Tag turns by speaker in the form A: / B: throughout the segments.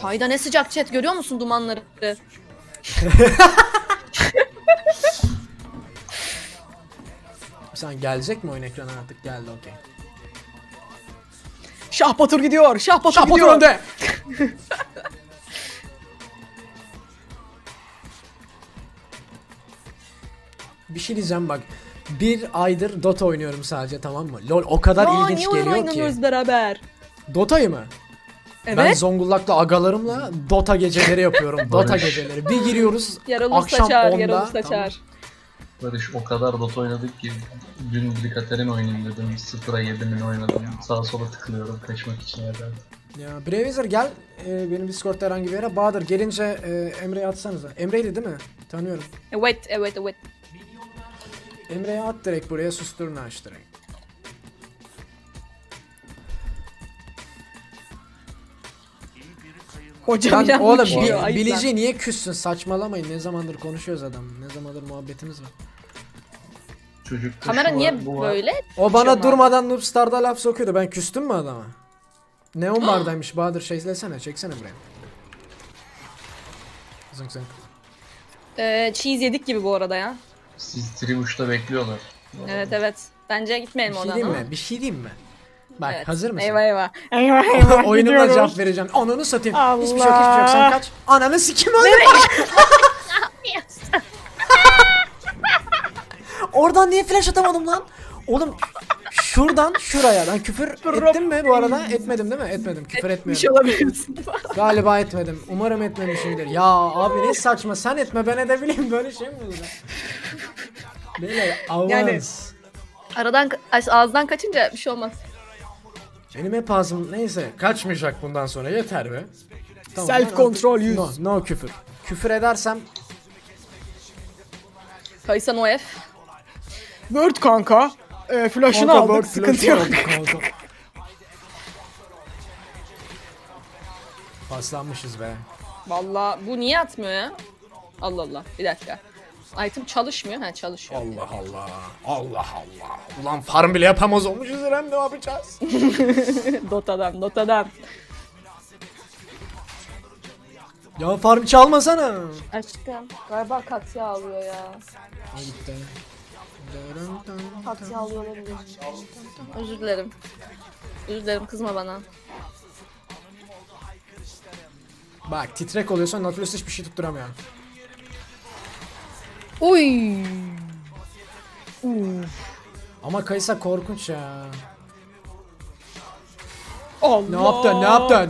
A: Hayda ne sıcak chat, görüyor musun dumanları?
B: Sen gelecek mi oyun ekrana artık? Geldi, okey.
C: Şah Batur gidiyor. Şah Batur
B: Şah Batur
C: gidiyor.
B: önde. Bir şey diyeceğim bak. Bir aydır Dota oynuyorum sadece, tamam mı? LoL o kadar
C: Ya
B: ilginç
C: niye oyun
B: geliyor
C: oynamıyoruz
B: ki.
C: beraber?
B: Dota'yı mı?
C: Evet.
B: Ben Zonguldak'ta agalarımla Dota geceleri yapıyorum. Dota
D: Barış.
B: geceleri. Bir giriyoruz
A: Yaralı
B: akşam
A: saçar,
B: 10'da.
A: yaralı
B: Tamam.
A: saçar.
D: Barış, o kadar Dota oynadık ki dün bir Katerin oynayayım dedim. 0'a 7'min oynadım. Sağa sola tıklıyorum kaçmak için yerden.
B: Ya Bravizer gel benim Discord'da herhangi bir yere. Bahadır gelince Emre'ye atsanıza. Emre'ydi değil mi? Tanıyorum.
A: Evet.
B: Emre'ye at direkt buraya, susturun aç direkt.
C: Hocam
B: Lan
C: ya
B: oğlum
C: uçuyor, ayıp lan.
B: Bilici niye küssün, saçmalamayın, ne zamandır konuşuyoruz adam, ne zamandır muhabbetimiz var.
D: Çocuk
A: Kamera niye böyle?
B: O bana
A: Şoma.
B: durmadan Noobstar'da laf sokuyordu, ben küstüm mü adama? Neon bardaymış Bahadır, şeylesene, çeksene buraya. Zınk zınk.
A: Cheese yedik gibi bu arada ya.
D: Siz Tribush'ta bekliyorlar.
A: Evet. Bence gitmeyelim
B: Bir şey
A: oradan
B: diyeyim
A: ama.
B: mi? Bir şey diyeyim mi? Bak
A: Evet.
B: hazır mısın?
A: Eyvah.
B: Oyunumla
C: gidiyoruz.
B: cevap vereceğim. Ananı satayım.
C: Allah.
B: Hiçbir şey yok, sen kaç. Ananı sikim öldüm. Oradan niye flash atamadım lan? Oğlum şuradan şuraya ben küfür ettim mi bu arada? Etmedim değil mi? Etmedim. Küfür
C: Bir şey
B: etmiyorum.
C: olabilirsin.
B: Galiba etmedim. Umarım etmemişimdir. Ya abi ne saçma, sen etme ben edebileyim, böyle şey mi olur? Böyle avans.
C: Yani-
A: Aradan ağızdan kaçınca bir şey olmaz.
B: Benim hep ağzım neyse kaçmayacak bundan sonra, yeter be. Tamam,
C: Self
B: ben
C: control
B: artık-
C: use.
B: No küfür. Küfür edersem
A: Kaysan OF.
C: Word kanka. Flash'ını
B: Kanka,
C: aldık.
B: bak,
C: Sıkıntı
B: flash'ı
C: yok.
B: aldık kanka. Paslanmışız be.
A: Vallahi bu niye atmıyor ya? Allah. Bir dakika. Item çalışmıyor. Ha çalışıyor.
B: Allah Allah. Allah Allah. Ulan farm bile yapamaz olmuşuz İrem, ne yapacağız?
A: Dota'dan.
B: Ya farm çalmasana.
A: Aşkım galiba Katya alıyor ya.
B: O gitti.
A: Katya alıyor olabilir. Özür dilerim. Kızma bana.
B: Bak titrek oluyorsa Nautilus hiçbir şey tutturamıyor.
A: Uy.
B: Ama Kaysa korkunç ya.
C: Allah.
B: Ne yaptın?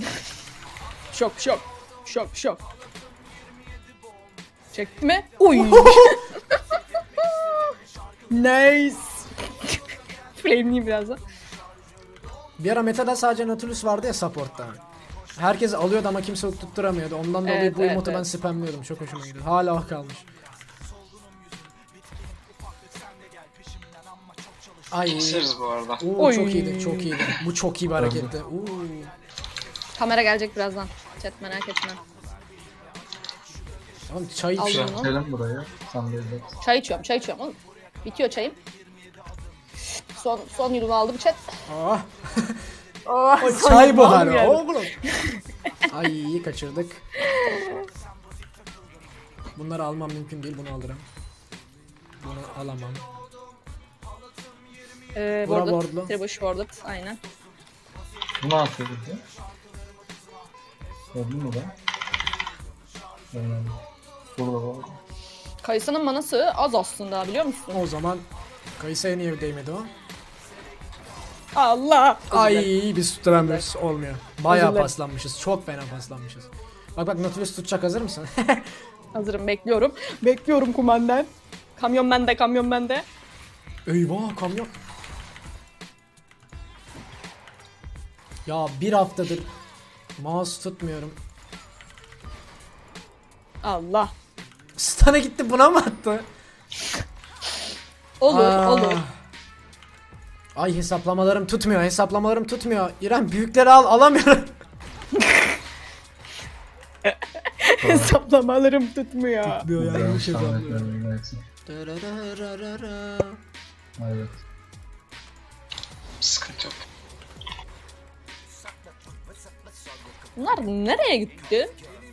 C: Şok. Çekti mi? Uy. Nice.
A: Flame'liyim birazdan.
B: Bir ara metada sadece Nautilus vardı ya support'ta. Herkes alıyordu ama kimse tutturamıyordu. Ondan dolayı
A: Evet,
B: bu emotu ben
A: evet.
B: spamlıyordum. Çok hoşuma gidiyor. Hala o kalmış. Ay.
E: Keseriz bu arada.
B: Oo,
C: Oy.
B: çok iyiydi. Bu çok iyi bir hareketti.
A: Kamera gelecek birazdan. Chat merak etme.
B: Tamam, çay
A: Al
B: içiyor.
A: bunu.
D: Selam buraya. Sen de evet.
A: Çay içiyorum oğlum. Bitiyor çayım. Son yudum aldım chat.
B: Ah,
A: Oh,
B: çay bu
C: aldım
B: hali
C: yani.
B: oğlum. Ay iyi kaçırdık. Bunları almam mümkün değil, bunu alırım. Bunu alamam. Bura
A: Warded.
B: wardlu.
A: Tribush warded. Aynen.
D: Bu ne yapıyor burada? Gördün mü ben? Burada var.
A: Kayısının manası az aslında, biliyor musun?
B: O zaman Kayısa'ya niye değmedi o?
C: Allah.
B: Ay biz tutturamıyoruz, olmuyor. Bayağı
C: dilerim.
B: paslanmışız, çok fena paslanmışız. Bak Nautilus tutacak, hazır mısın?
A: Hazırım, bekliyorum.
C: Bekliyorum kumandan.
A: Kamyon bende.
B: Eyvah kamyon. Ya bir haftadır mouse tutmuyorum.
C: Allah.
B: Stun'a gitti, buna mı attı?
A: Olur.
B: Ay hesaplamalarım tutmuyor. İrem büyükleri alamıyorum.
C: Hesaplamalarım tutmuyor.
B: Tutmuyor, yanlış hesaplıyor.
D: Evet.
E: Sıkıntı yok.
A: Bunlar nereye gitti?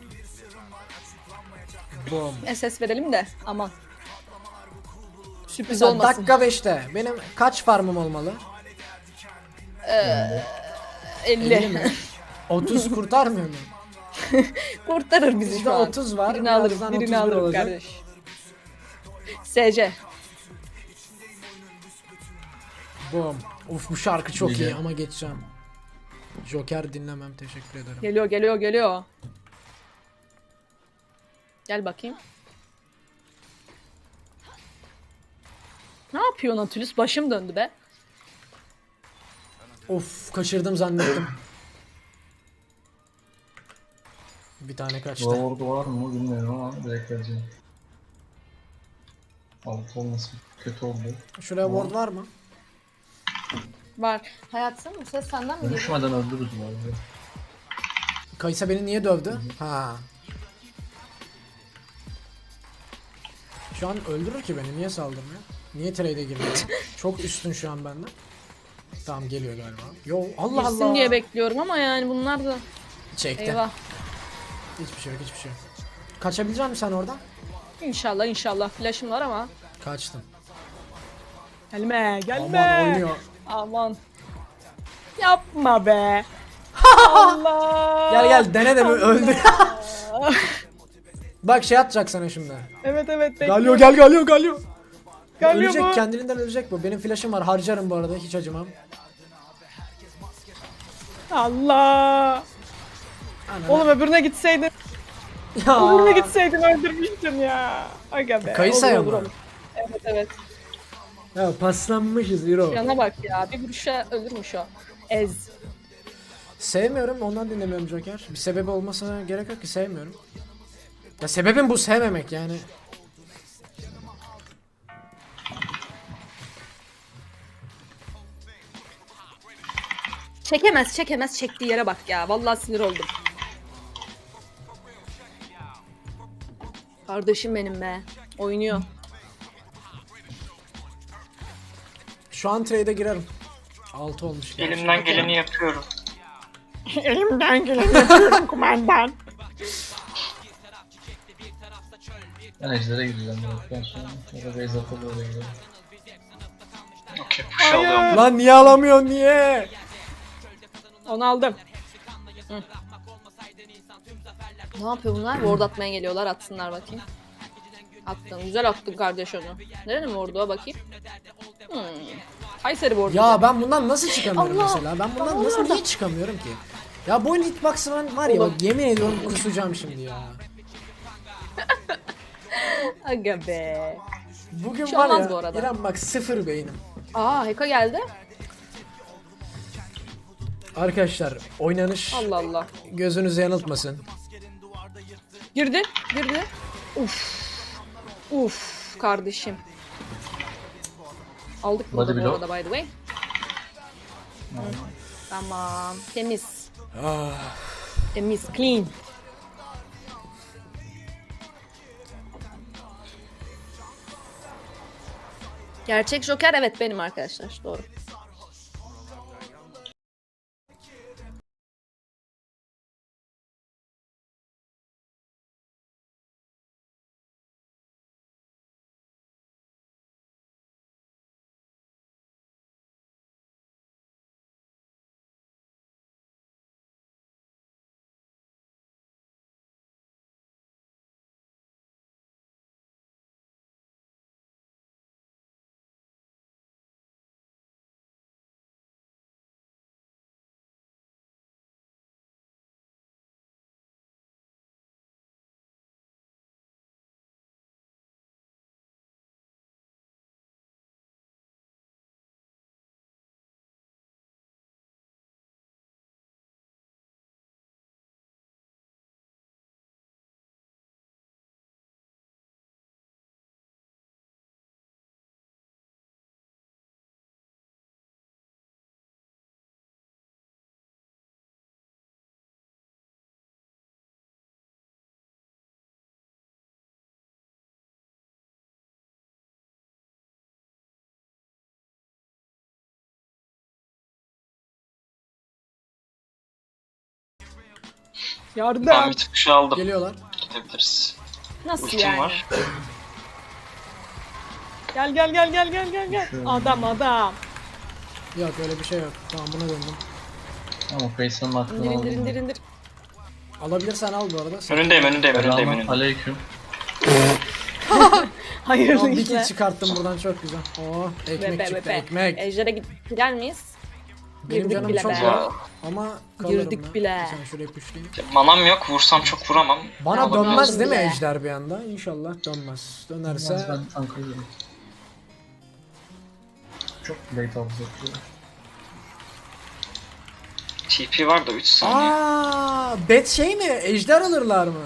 B: Boom.
A: SS verelim de aman. Sürpriz
B: Mesela
A: olmasın.
B: dakika 5'te benim kaç farmım olmalı?
A: 50.
B: mi? 30 kurtarmıyor mu?
A: Kurtarır bizi
B: Bizde
A: şu an.
B: 30 var,
A: Birini alırım,
B: birazdan
A: birini
B: 31
A: alırım
B: olacak.
A: kardeş. SC.
B: Boom. Of bu şarkı çok iyi
D: Biliyorum.
B: ama geçeceğim. Joker dinlemem, teşekkür ederim.
A: Geliyor, geliyor, geliyor. Gel bakayım. Ne yapıyor Nautilus? Başım döndü be.
B: Of kaçırdım zannettim. Bir tane kaçtı.
D: Ward var mı bilmiyorum ama direkt vereceğim. Altı olması kötü oldu.
B: Şuraya ward var mı?
A: Var. Hayatım bu ses senden mi geliyor?
D: Dönüşmeden öldürürüz abi.
B: Kaysa beni niye dövdü? Ha. Şu an öldürür ki beni. Niye saldırmıyor? Niye trade'e girmiyor? Çok üstün şu an benden. Tamam geliyor galiba. Yo Allah
A: Girsin
B: Allah.
A: diye bekliyorum ama yani bunlar da...
B: Çekti.
A: Eyvah.
B: Hiçbir şey yok, hiçbir şey yok. Kaçabilecek misin sen oradan?
A: İnşallah inşallah. Flash'ım var ama.
B: Kaçtım.
C: Gelme gelme.
B: Aman oynuyor.
A: Aman.
C: Yapma be. Allah.
B: Gel gel dene de bir öldür. Bak şey atacak sana şimdi.
C: Evet evet
B: Galio
C: bekliyorum.
B: Galio Galio.
C: Galio
B: Ölecek
C: bu.
B: kendiliğinden ölecek bu. Benim flash'ım var, harcarım bu arada, hiç acımam.
C: Allah.
B: Ananı-
C: Oğlum öbürüne gitseydin.
B: Ya.
C: Öbürüne gitseydin öldürmüştün ya. Aga be.
B: Kayısaya
A: Olur,
B: mı?
A: olur. Evet evet.
B: Ya paslanmışız Euro.
A: Yana bak ya. Bir vuruşa ölürmüş o. Ez.
B: Sevmiyorum, ondan dinlemiyorum Joker. Bir sebebi olmasına gerek yok ki, sevmiyorum. Ya sebebim bu, sevmemek yani.
A: Çekemez çekemez çektiği yere bak ya. Vallahi sinir oldum. Kardeşim benim be. Oynuyor.
B: Şu an trade'e girerim. 6 olmuş. gerçi.
E: Elimden geleni yapıyorum.
C: Elimden geleni yapıyorum kumandan.
D: Ben ejder'e gideceğim direktten sonra. Ya da base atıp öyle gidelim.
E: Okey, push alıyorum.
B: Lan niye alamıyorsun, niye?
A: Onu aldım. Hı. Ne yapıyor bunlar? Ward atmaya geliyorlar. Atsınlar bakayım. Attın. Güzel attın kardeş onu. Nerenin ward'u o bakayım? Kayseri ward'u.
B: Ya ben bundan nasıl çıkamıyorum
A: Allah!
B: mesela? Ben bundan
A: Allah
B: nasıl,
A: Allah!
B: niye çıkamıyorum ki? Ya bu hitbox'ı ben var ya,
A: Oğlum.
B: bak yemin ediyorum kusacağım şimdi ya.
A: Aga be.
B: Bugün
A: Hiç
B: var
A: olmaz
B: ya,
A: bu arada.
B: İrem bak sıfır beynim.
A: Aa Heka geldi.
B: Arkadaşlar oynanış
A: Allah Allah.
B: gözünüzü yanıltmasın.
A: Girdi. Girdi. Uf. Uf kardeşim. Aldık
D: Body
A: bunu bu
D: blow.
A: arada by the way. Tamam. Temiz.
B: Ah.
A: Temiz. Clean. Gerçek Joker evet benim arkadaşlar. Doğru.
C: Yardım.
E: Ben bir kuşu aldım.
B: Geliyorlar.
E: Gidebiliriz.
A: Nasıl
E: Ultim
A: yani?
E: var.
C: Gel. Adam.
B: Yok öyle bir şey yok. Tamam buna döndüm.
D: Ama Face'ın aklını
A: İndir
D: aldım.
A: indir.
B: Alabilirsen al bu arada.
E: Önündeyim.
D: Aleyküm.
C: Hayırlı
B: Tamam, bir kill
C: işler.
B: çıkarttım buradan çok güzel. Oo ekmek çıktı ekmek.
A: Ejder'e gider miyiz?
B: Benim
A: girdik
B: canım
A: bile
B: çok
A: be.
B: var ama kalırım
A: Girdik
B: ya.
A: bile.
B: Sen şuraya püşleyeyim.
E: Manam yok. Vursam çok vuramam.
B: Bana
E: Ama
B: dönmez
A: biraz-
B: değil mi
A: bile.
B: ejder bir anda? İnşallah dönmez. Dönerse
D: Ben tanklıyorum. Çok late olacak.
E: TP var da 3 saniye.
B: bet şey mi? Ejder alırlar mı?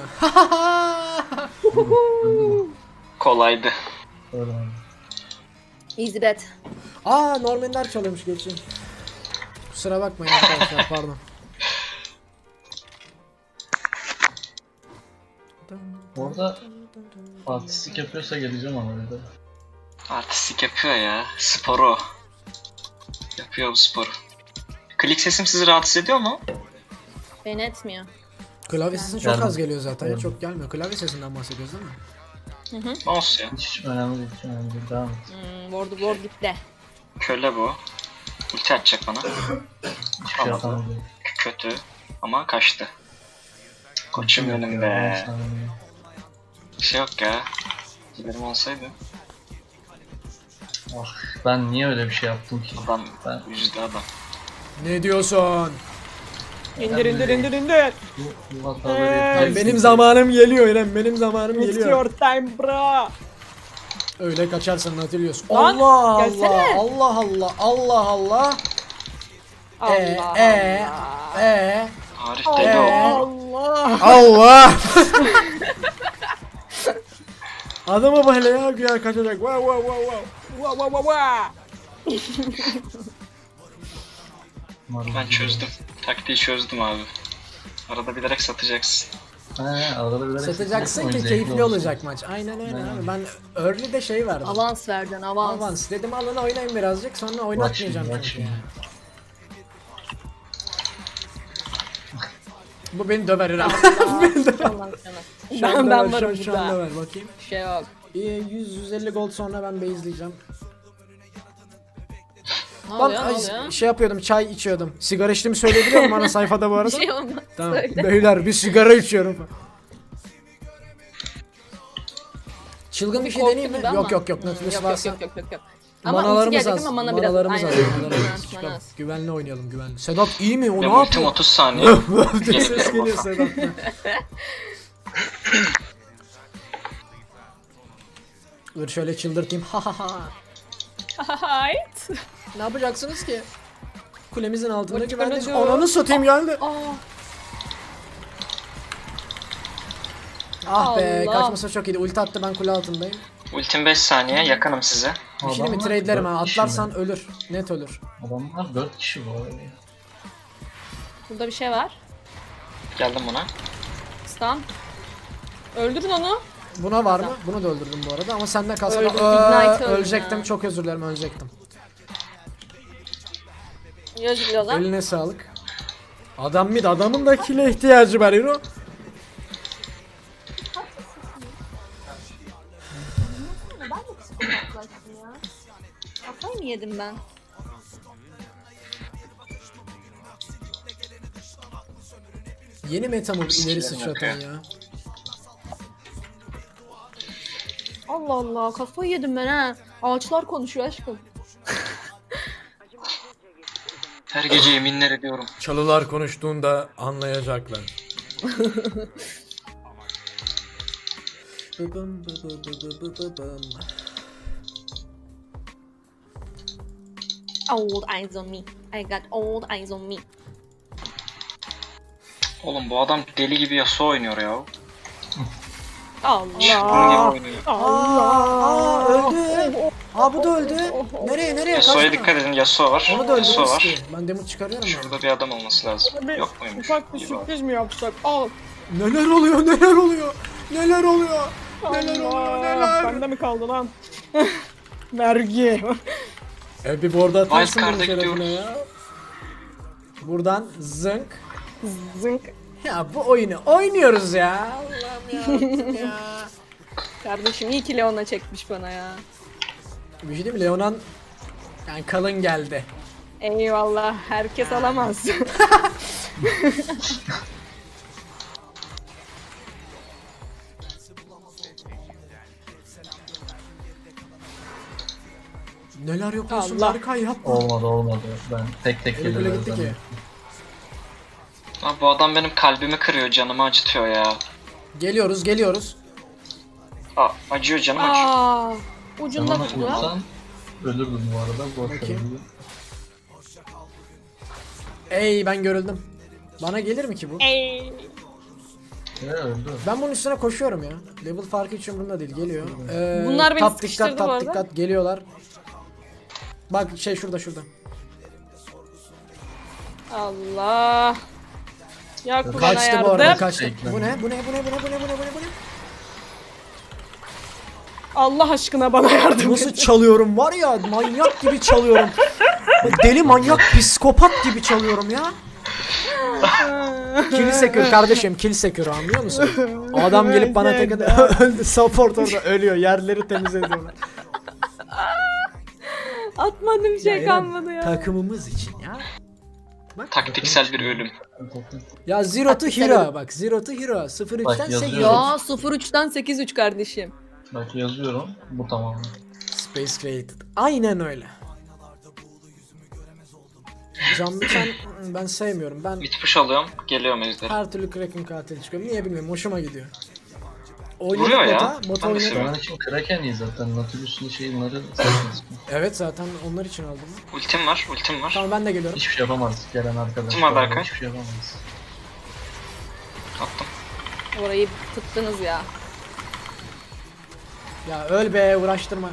E: Kolaydı.
D: Öyle abi.
A: Easy bet.
B: Normanler çalıyormuş geçeyim. Kusura bakmayın arkadaşlar pardon.
D: Orada artistik yapıyorsa geleceğim ama öyle.
E: Artistik yapıyor ya. Sporu. Yapıyor bu sporu. Klik sesim sizi rahatsız ediyor mu?
A: Beni etmiyor.
B: Klavye sesi çok
D: Geldim.
B: az geliyor zaten ya
D: Geldim.
B: çok gelmiyor. Klavye sesinden bahsediyoruz değil mi?
E: Mouse ya.
D: Hiç önemli değil, hiç önemli değil. Devam et.
A: Ward gitti.
E: Köle bu. Ulti atacak bana.
D: Hiçbir şey
E: Anladım.
D: yapamadım.
E: Kötü. Ama kaçtı. Koçum benim be. Bir şey yok ya. Giderim olsaydı.
D: Ah, ben niye öyle bir şey yaptım ki?
E: Adam
D: Ben
E: yüzde adam.
B: Ne diyorsun?
C: İndir.
D: bu hataları yapıyorum.
B: Benim zamanım geliyor İrem benim zamanım
C: It's
B: geliyor.
C: your time bro.
B: Öyle kaçarsan Nautilus.
C: Lan,
B: Allah
C: gelsene.
B: Allah.
E: Arif deli oldu.
C: Allah.
B: Allah. Adama böyle ya güya kaçacak. Wow.
E: Ben çözdüm. Taktiği çözdüm abi. Arada bilerek satacaksın.
D: Arada bir
B: Satacaksın ki keyifli olacak maç. Aynen öyle abi. Ben early'de şey verdim.
A: Avans verdin avans.
B: Avans dedim alın oynayın birazcık sonra oynatmayacağım
D: bak
B: çünkü
D: şimdi.
B: ya. Bu beni döver İrem.
A: Allah sana.
B: Şu anda
A: Ben
B: ver,
A: varım
B: şu anda
A: burada.
B: ver bakayım.
A: Bir şey yok.
B: 100-150 gold sonra ben base'leyeceğim.
A: Ne
B: Ben
A: oluyor?
B: şey yapıyordum çay içiyordum. Sigara içtiğimi söyleyebiliyor muyum bana sayfada bu
A: Bir
B: arada?
A: şey olmaz.
B: Tamam.
A: Söyle.
B: Beyler bir sigara içiyorum. Çılgın bir şey
A: Korktu
B: deneyeyim mi?
A: gibi ama.
B: Yok Nautilus
A: Yok,
B: varsa.
A: yok. Ama ulti
B: Manalarımız
A: gelecek
B: az.
A: ama mana biraz.
B: Manalarımız az.
A: Aynen.
B: Manalarımız az.
A: Mana
B: Çıkalım.
A: az.
B: Güvenli oynayalım güvenli. Sedat iyi mi? O
E: Ve
B: ne
E: ultim
B: yapıyor?
E: 30 saniye.
B: Ses geliyor Sedat'tan. Dur şöyle çıldırtayım. Ha ha ha.
A: Hayt.
B: Ne yapacaksınız ki? Kulemizin altında
A: Bakın
B: güvendeyiz.
A: hadi.
B: Ananı satayım geldi. Ah be
A: Allah.
B: kaçmasa çok iyiydi. Ulti attı ben kule altındayım.
E: Ultim 5 saniye. Yakınım size.
B: Bir şey mi trade'lerim ha. Atlarsan ölür. Net ölür.
D: Adamlar 4 kişi bu arada.
A: Burada bir şey var.
E: Geldim buna.
A: Stun. Öldürün onu.
B: Buna var mı? Bunu da öldürdüm bu arada ama sende kalsa
A: Öldüm,
B: da
A: Ignite öldüm
B: ölecektim.
A: ya.
B: Çok özür dilerim ölecektim.
A: Özür dilerim.
B: Eline sağlık. Adam mid adamın da kile ihtiyacı var Hero.
A: Kafayı mı yedim ben?
B: Yeni meta mı ileri
E: Skillerim
B: sıçratan
E: yok
B: ya.
A: Allah Allah kafayı yedim ben ha. Ağaçlar konuşuyor aşkım.
E: Her gece yeminler ediyorum.
B: Çalılar konuştuğunda anlayacaklar.
A: Old eyes on me. I got old eyes on me.
E: Oğlum bu adam deli gibi Yasuo oynuyor ya.
A: Allah.
E: Çılgın gibi oynuyor.
B: Aa öldü. Aa bu da öldü. Nereye
E: Yasuo'ya
B: kaçma.
E: dikkat edin. Yasuo var.
B: Onu da
E: Yasuo
B: öldürürüz
E: var.
B: ki. Ben damage çıkarıyorum ya.
E: Şurada bir adam olması lazım.
C: Bir
E: Yok muymuş?
C: ufak bir
E: İyi bak.
C: sürpriz mi yapsak? Al.
B: Neler oluyor neler oluyor. Neler oluyor. Neler
C: Allah.
B: oluyor neler.
C: Bende mi kaldı lan? Vergi.
B: Bir board atarsın
E: Wildcard'a
B: bunun şerefine
E: gidiyoruz.
B: ya. Buradan zınk.
C: Zınk.
B: Ya bu oyunu oynuyoruz ya. Allah'ım ya. ya.
A: Kardeşim iyi ki Leon'a çekmiş bana ya.
B: Bir şey diyeyim mi? Leonan yani kalın geldi.
A: Eyvallah. Herkes alamaz.
B: Neler yapıyorsun
A: Allah.
B: Berkay yapma.
D: Olmadı. Ben tek tek
B: Öyle gitti ki.
D: geliyorum.
E: Abi bu adam benim kalbimi kırıyor, canımı acıtıyor ya.
B: Geliyoruz.
E: Aa, acıyor, canım acıyor.
A: Aa,
D: Sen
A: ucunda
D: onu
A: vurdu.
D: vursan ölürdün bu arada. Boş
B: Bakayım.
D: verelim.
B: Ey ben görüldüm. Bana gelir mi ki bu?
A: Ey.
D: Öldü.
B: Ben bunun üstüne koşuyorum ya. Level farkı hiç umurumda değil. Geliyor.
A: Bunlar beni
B: tap
A: sıkıştırdı
B: dikkat,
A: bu
B: tap
A: arada.
B: dikkat. Geliyorlar. Bak şey şurada.
A: Allah. Yak bana
B: Kaçtı bu arada
A: yardım.
B: kaçtı.
D: Bekle.
B: Bu ne?
A: Allah aşkına bana yardım
B: Nasıl
A: et.
B: çalıyorum var ya manyak gibi çalıyorum. Deli manyak psikopat gibi çalıyorum ya. Kill sekür kardeşim kill sekür anlıyor musun? Adam gelip bana tek öldü support orada ölüyor yerleri temizlediyorlar.
A: Atmadım şey
B: İrem,
A: kalmadı ya.
B: Takımımız için ya. Bak.
E: Taktiksel bir ölüm.
B: Ya Zero to Hero bak Zero to Hero 03'ten
D: Bak,
B: 8.
D: yazıyor.
A: Ya 03'ten 8-3 kardeşim.
D: Bak yazıyorum. Bu tamam.
B: Space Created. Aynen öyle. Can bıçan ben sevmiyorum. Ben
E: Mid push alıyorum, geliyorum ejder.
B: her türlü Kraken katil çıkıyorum. Niye bilmiyorum. Hoşuma gidiyor.
E: Vuruyor
B: Oynadık
E: ya.
B: bota
E: Ben de
B: oynadık.
E: seviyorum.
D: Onun için Kraken iyi zaten. Nautilus'un şeyleri saçma.
B: Evet zaten onlar için aldım.
E: Ultim var.
B: Tamam ben de geliyorum.
D: Hiçbir şey yapamaz gelen arkadaş.
E: Kim var Berkay?
D: Hiçbir şey yapamaz.
E: Attım.
A: Orayı tıktınız ya.
B: Ya öl be uğraştırma.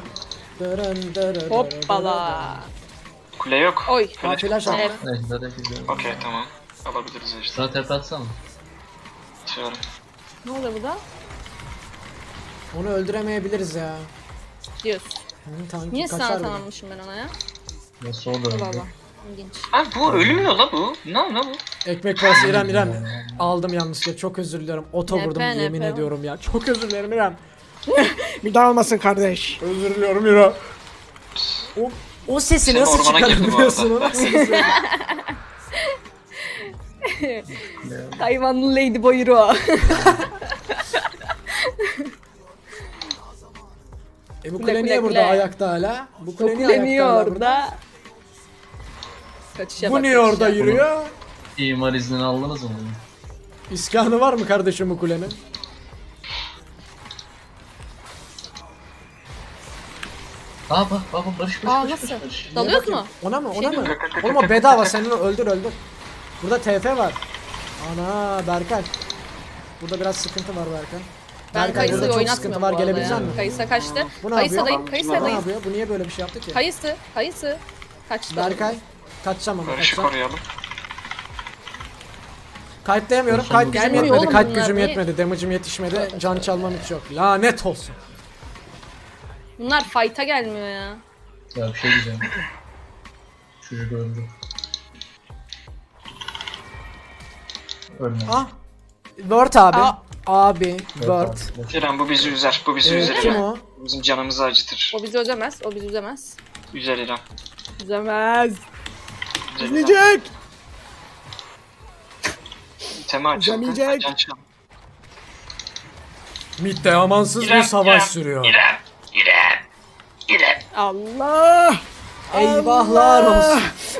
A: Hoppala.
E: Kule yok.
A: Oy.
B: Ha, flash attı.
A: Evet.
D: Ejder'e gidiyor.
E: Okey, tamam. Alabiliriz ejder.
D: Sana tepe atsana.
E: Atıyorum.
A: Ne oldu bu da?
B: Onu öldüremeyebiliriz ya.
A: Diyorsun.
B: Tanki
A: Niye
B: kaçar
A: sana
B: bile.
A: tanımışım ben ona ya?
D: Nasıl o da öldü.
A: Allah. İlginç.
E: Abi bu ölmüyor la bu. Ne bu?
B: Ekmek parası İrem. Aldım yanlışlıkla çok özür diliyorum. Oto
A: Nepe,
B: vurdum yemin
A: nepe.
B: ediyorum ya. Çok özür dilerim İrem.
C: Bir daha olmasın kardeş.
B: Özür diliyorum İrem. O sesi
E: Senin
B: nasıl
E: ormana girdi bu
B: çıkarabiliyorsun
E: arada.
B: o nasıl bir şey?
A: Hayvanlı Ladyboy o.
B: Bu
A: Kule,
B: kule
A: kule,
B: niye burada
A: kule.
B: ayakta hala? Bu kule niye
A: Kuleniyor
B: ayakta hala burada?
A: orada. Kaçışa
B: Bu
A: bak,
B: niye
A: kaçışa.
B: orada yürüyor?
D: İmar iznini aldınız mı?
B: İskanı var mı kardeşim bu kulenin?
D: Bak Barış.
A: Aa nasıl? Dalıyoruz mu?
B: Ona mı?
A: Şey
B: Ona mı?
A: mi?
B: Oğlum o bedava sen onu öldür. Burada TF var. Ana Berkay. Burada biraz sıkıntı var Berkay.
A: Ben
B: Berkay burada
A: Kayısa'yı
B: çok
A: oynatmıyorum
B: sıkıntı
A: bu
B: var
A: arada
B: gelebilecek
A: ya.
B: misin?
A: Kayısa kaçtı.
B: Bu ne
A: Kayısa
B: yapıyor?
A: dayı, Kayısa
B: Bu ne
A: dayı.
B: yapıyor? Bu niye böyle bir şey yaptı ki?
A: Kayısı. Kaçtı.
B: Berkay. Kaçacağım ama
E: Barış'ı
B: kaçacağım.
E: koruyalım.
B: Kayıtlayamıyorum. Kayıt gücüm
A: Gelmiyor
B: yetmedi.
A: oğlum
B: Kayıt
A: bunlar,
B: gücüm
A: niye?
B: yetmedi. Damage'im yetişmedi. Can çalmam hiç yok. Lanet olsun.
A: Bunlar fight'a gelmiyor ya.
D: Ya bir şey diyeceğim. Çocuk öldü. Ölmedi.
B: Ah. Word abi.
A: Aa.
B: Abi. Word.
E: İrem bu bizi üzer. Bu bizi üzer
B: Kim
E: İrem.
B: o?
E: Bizim canımızı acıtır.
A: O bizi üzemez. O bizi üzemez.
E: Üzer İrem.
A: Üzemez.
E: Üzer İrem.
C: İzleyecek.
E: İtemi açıldı.
C: Üzemeyecek.
E: Can çal.
B: Mid'de amansız bir savaş sürüyor.
E: İrem.
C: Allah.
B: Eyvahlar olsun.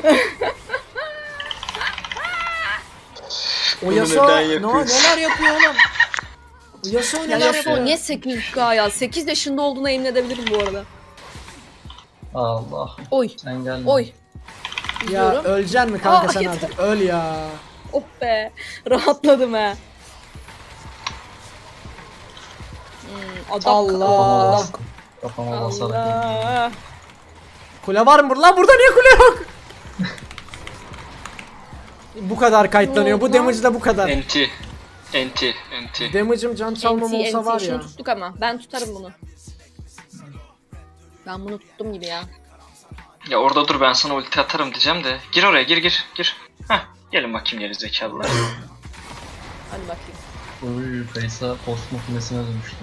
B: O Yasuo
E: neden yapıyorsun?
B: neler yapıyor oğlum? O Yasuo
A: Ya
B: neler
A: Yasuo
B: yapıyor?
A: niye 8K ya? 8 yaşında olduğuna emin edebilirim bu arada.
D: Allah.
A: Oy.
D: Sen gelme.
A: Oy.
B: Ya
A: İzliyorum.
B: öleceksin mi kanka
A: Aa,
B: sen
A: yeter.
B: artık? Öl ya.
A: Oh be. Rahatladım he. Adak.
B: Allah.
A: Adak.
D: Kafama basarak.
A: Allah.
B: Kule var mı burada? Lan burada niye kule yok? Bu kadar kayıtlanıyor. Bu damage'da bu kadar.
E: Enti.
B: Damage'ım can çalmam
A: NT,
B: olsa var
A: şunu
B: ya.
A: tuttuk ama. Ben tutarım bunu. Ben bunu tuttum gibi ya.
E: Ya orada dur, ben sana ulti atarım diyeceğim de. Gir oraya, gir. Heh. Gelin bakayım geri zekalılar.
A: bakayım.
D: Uy Kaysa post makinesine dönüştü.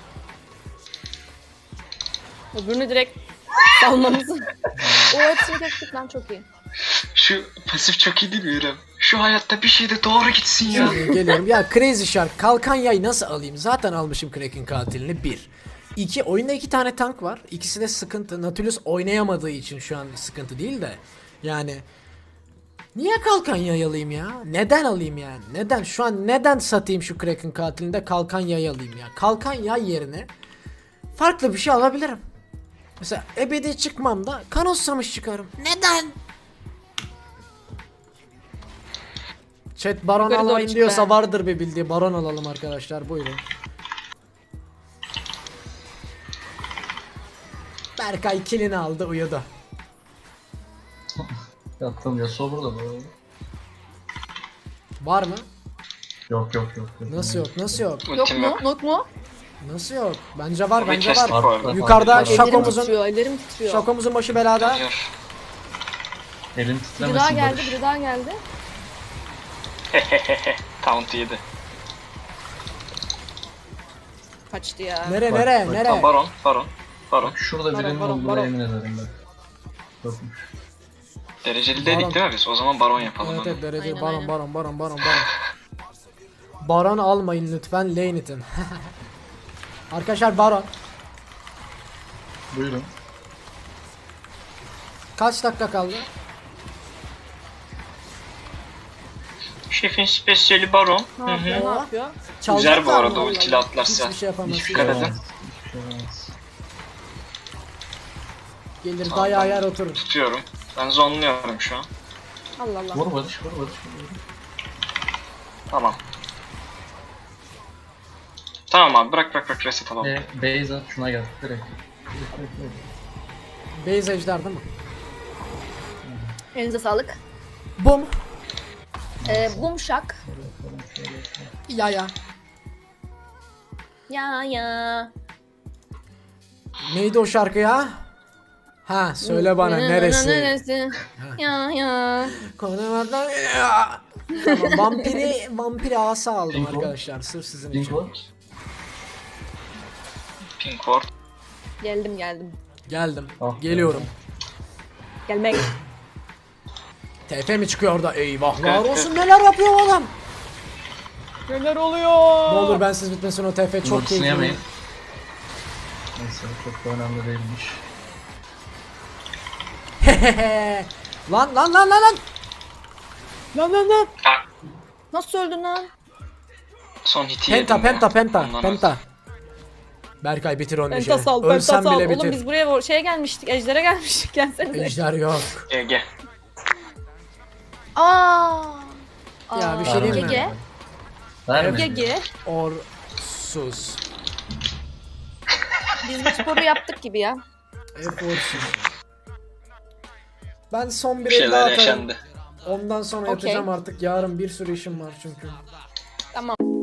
A: Öbürünü direkt salmamızı. O hepsini tek tık lan çok iyi.
E: Şu pasif çok iyi değil mi İrem? Şu hayatta bir şey de doğru gitsin ya.
B: Geliyorum. Ya Crazy Shark kalkan yay nasıl alayım? Zaten almışım Kraken katilini 1. 2. Oyunda 2 tane tank var. İkisi de sıkıntı. Nautilus oynayamadığı için şu an sıkıntı değil de. Yani niye kalkan yay alayım ya? Neden alayım yani? Neden? Şu an neden satayım şu Kraken katilinde kalkan yay alayım ya? Kalkan yay yerine farklı bir şey alabilirim. Mesela ebedi çıkmam da kan osamış çıkarım. Neden? Chat baron
A: Yukarı doğru
B: almayın
A: çık
B: diyorsa
A: be.
B: vardır bir bildiği. Baron alalım arkadaşlar, buyurun. Berkay kilini aldı, uyudu.
D: Yattım Yasuo burada bu arada.
B: Var mı?
D: Yok.
B: Nasıl yok? Nasıl yok?
A: Yok
E: Ultim
A: mu?
E: yok.
A: Yok mu?
B: Nasıl yok? Bence var,
E: Bir
B: bence
E: chest
B: var.
E: var.
B: Yukarıda
D: Ellerim
A: Ellerim
B: şakomuzun
A: titriyor, ellerim titriyor.
B: şakomuzun başı belada.
E: Geliyor.
D: Elim
A: Biri daha
D: titremesin
A: geldi,
D: Barış.
A: biri daha geldi.
E: Taunt yedi.
A: Kaçtı ya.
B: Nere
D: Bak,
B: nere
D: bak.
B: nere?
E: Baron.
D: Bak şurada birinin
A: Baron,
D: olduğuna
A: baron.
D: emin ederim ben. Yokmuş.
E: Dereceli
B: Baron.
E: dedik değil mi biz? O zaman baron yapalım.
B: Evet
E: hadi.
B: evet, derece
A: Aynen,
B: baron
A: aynen.
B: baron baron baron baron. Baron almayın lütfen, lane itin. Arkadaşlar baron.
D: Buyurun.
B: Kaç dakika kaldı?
E: Şefin spesiyeli baron.
A: Ne yapıyor, ne yapıyor?
E: Güzel
B: Çalacaklar
E: bu
B: mı?
E: arada ultili atlarsa.
B: Hiçbir şey yapamaz.
D: Hiçbir
E: Dikkat
D: şey
E: edin.
D: olmaz. Hiçbir şey olmaz.
B: Gelir
E: Tamam,
B: dayağı
E: ben
B: yer oturur.
E: Tutuyorum. Ben zonluyorum şu an.
A: Allah Allah.
D: Vur Barış.
E: Tamam. Tamam abi bırak reset alalım.
D: Base at şuna gel. Direkt.
B: Base ejder değil mi?
A: Elinize sağlık.
B: Bum.
A: Bumşak.
B: Ya ya.
A: Ya.
B: Neydi o şarkı ya? Ha söyle bana neresi?
A: Neresi? Ya.
B: Konulardan tamam, vampiri asa aldım
D: Pink
B: arkadaşlar sırf sizin
D: Pink
B: için.
D: var.
E: Pink ward.
A: Geldim.
B: Geldim.
D: Ah,
B: Geliyorum.
A: Gelmek.
B: TP mi çıkıyor orada? Eyvahlar
E: Evet,
B: olsun, neler yapıyor bu adam?
A: Neler oluyor?
B: Ne olur bensiz bitmesin o TP, çok
D: Ultisini
B: keyifli.
D: yemeyin. Neyse çok da önemli değilmiş.
B: lan.
A: Lan.
E: Ah,
A: Nasıl öldün lan?
E: son hiti yedim
B: Penta.
E: ya. Ondan
B: Berkay bitir onu işi.
A: Pentasal,
B: Ölsem
A: pentasal.
B: bile
A: Oğlum
B: bitir.
A: biz buraya şeye gelmiştik, ejdere gelmiştik. Gelsenize.
B: Ejder yok.
E: GG.
A: Aa.
B: Ya bir şey diyeyim mi?
A: Gege.
D: Verme.
A: Gege.
B: Sus.
A: Biz bu sporu yaptık gibi ya.
B: Eforsuz. Ben son bir
E: Bir
B: el daha
E: şeyler
B: atarım.
E: yaşandı.
B: Ondan sonra
A: Okey.
B: yatacağım artık. Yarın bir sürü işim var çünkü.
A: Tamam.